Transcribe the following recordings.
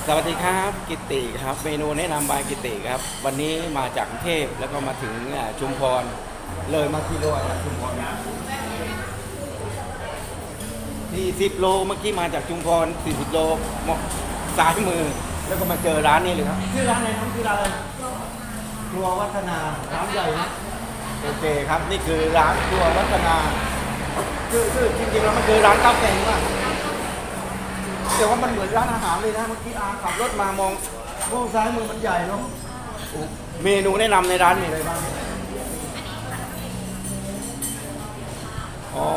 วัสดีครับกิติครับเมนูแนะนำบายกิติครับวันนี้มาจากกรุงเทพแล้วก็มาถึงชุมพรเลยมากิโลจากชุมพรที่10 โลเมื่อกี้มาจากชุมพร40 โลซ้ายมือแล้วก็มาเจอร้านนี้เลยครับชื่อร้านอะไรน้องชื่อร้านอะไรครัววัฒนาร้านใหญ่นะโอเคครับนี่คือร้านครัววัฒนาชื่อจริงๆแล้วมันคือร้านข้าวแกงว่ะแต่ว่ามันเหมือนร้านอาหารเลยนะเมื่อกี้ขับรถมามองซ้ายมือมันใหญ่เนาะเมนูแนะนำในร้านมีอะไรบ้างอ๋อ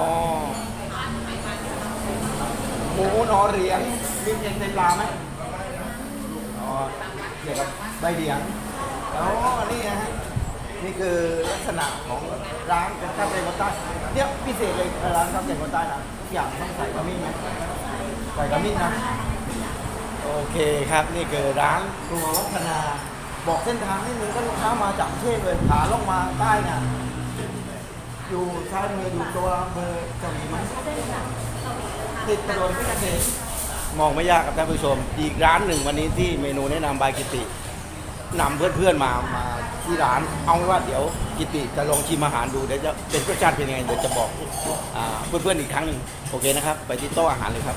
หมูหนอเหรียญมีเพียงเต็มปลาไหมอ๋อเดี๋ยวกับใบเหลียงอ๋อนี่นะฮะนี่คือลักษณะของร้านข้าวแกงคนใต้เนี่ยพิเศษเลยร้านข้าวแกงคนใต้นะทุกอย่างต้องใส่ขมิ้นไหมใส่ขมิ้นนะโอเคครับนี่คือร้านครัววัฒนาบอกเส้นทางให้มึงก็ลูกค้ามาจากกรุงเทพเลยขาล่องมาใต้เนี่ยอยู่ซ้ายมืออยู่ตัวอำเภอเจ้าหญิงไหมติดถนนเพชรเกษมมองไม่ยากครับท่านผู้ชมอีกร้านหนึ่งวันนี้ที่เมนูแนะนำบายกิตินำเพื่อนๆมาที่ร้านเอาไว้ว่าเดี๋ยวกิติจะลองชิมอาหารดูเดี๋ยวจะเป็นรสชาติเป็นยังไงเดี๋ยวจะบอกเพื่อนๆอีกครั้งหนึ่งโอเคนะครับไปที่โต๊ะอาหารเลยครับ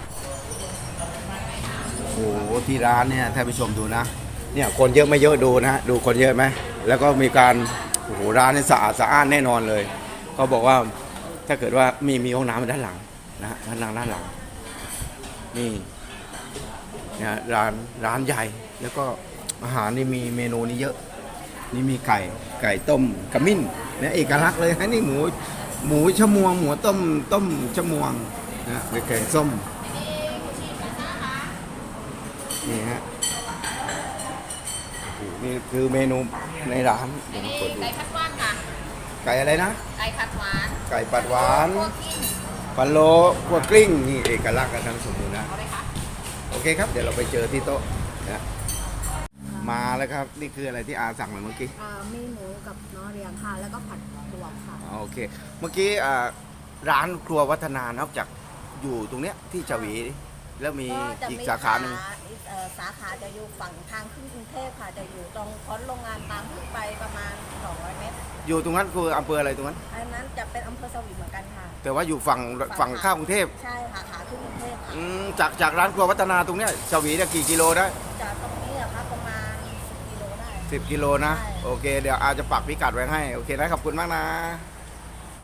โอ้โหที่ร้านเนี่ยท่านผู้ชมดูนะเนี่ยคนเยอะไม่เยอะดูนะดูคนเยอะไหมแล้วก็มีการโอ้โหร้านนี่สะอาดสะอ้านแน่นอนเลยเขาบอกว่าถ้าเกิดว่ามีห้องน้ำด้านหลังนะฮะด้านหลังนี่นะร้านใหญ่แล้วก็อาหารนี่มีเมนูนี้เยอะนี่มีไก่ต้มขมิ้นเนี่ยเอกลักษณ์เลยนะนี่หมูชะมวงหมูต้มชะมวงนะหรือแกงส้มนี่ฮะนี่คือเมนูในร้านเดี๋ยวมาเปิดดูไก่ผัดหวานค่ะไก่อะไรนะไก่ผัดหวานไก่ปัดหวานพวกกิ้งพะโล้คั่วกลิ้งนี่เอกลักษณ์กันทั้งสมบูรณ์นะเอาเลยค่ะโอเคครับเดี๋ยวเราไปเจอที่โต๊ะนะมาแล้วครับนี่คืออะไรที่อาสั่งมาเมื่อกี้มีหมูกับน้อเรียงค่ะ แล้วก็ผัดรวมค่ะโอเคเมื่อกี้ร้านครัววัฒนานอกจากอยู่ตรงเนี้ยที่ฉวีแล้วมีก็จะอีกมีสาขาหนึ่งสาขาจะอยู่ฝั่งทางขึ้นกรุงเทพค่ะ จะอยู่ตรงพ้นโรงงานตามขึ้นไปประมาณ200 เมตรอยู่ตรงนั้นคืออำเภออะไรตรงนั้นอันนั้นจะเป็นอำเภอสวีเหมือนกันค่ะแต่ว่าอยู่ฝั่งข้ามกรุงเทพใช่ค่ะขาขึ้นกรุงเทพค่ะจากร้านครัววัฒนาตรงเนี้ยฉวีเนี่ยกี่กิโลได้จากตรงนี้อะค่ะประมาณ10 กิโลได้ 10 กิโลนะใช่โอเคเดี๋ยวอาจจะปักพิกัดไว้ให้โอเคนะขอบคุณมากนะ